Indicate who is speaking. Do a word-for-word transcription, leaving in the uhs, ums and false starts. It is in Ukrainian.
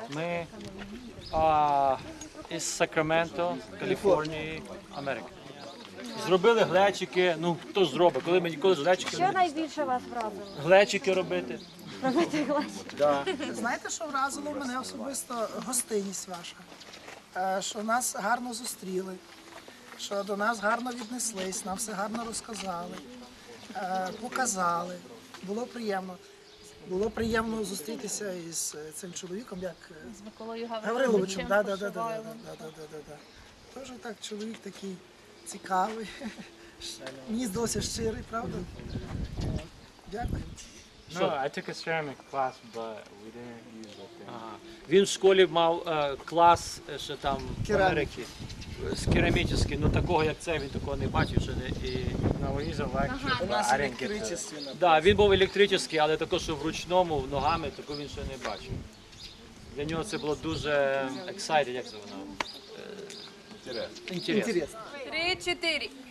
Speaker 1: Ми а, із Сакраменто, Каліфорнії, Америки. Зробили глечики, ну хто ж зробить, коли ми ніколи з глечиків
Speaker 2: Що
Speaker 1: не...
Speaker 2: найбільше вас вразило?
Speaker 1: Глечики робити.
Speaker 2: Робити глечики?
Speaker 1: Да.
Speaker 3: Знаєте, що вразило мене особисто? Гостинність ваша. Е, Що нас гарно зустріли, що до нас гарно віднеслись, нам все гарно розказали, е, показали. Було приємно. Було приємно зустрітися із е, цим чоловіком, як е,
Speaker 2: З Миколою
Speaker 3: Гавриловичем. Да, да, да, да, да,
Speaker 2: Пошивайлом.
Speaker 3: да, да, да, да, да. Теж так, чоловік такий цікавий. Мені здалося щирий, правда? Дякую.
Speaker 4: No, I took a ceramic class, but we didn't use the thing.
Speaker 1: Ага. Він в школі мав е, клас е, ще там в
Speaker 3: Кераміки.
Speaker 1: Америці, з керамічний, ну такого як це, він такого не бачив ще не. І...
Speaker 4: No, we use electric, but I didn't get the...
Speaker 1: Да, він був електричний, але також що вручному, ногами, такого він ще не бачив. Для нього це було дуже exciting, як це воно? Е, Інтересно.
Speaker 3: Інтересно.
Speaker 5: Три, чотири.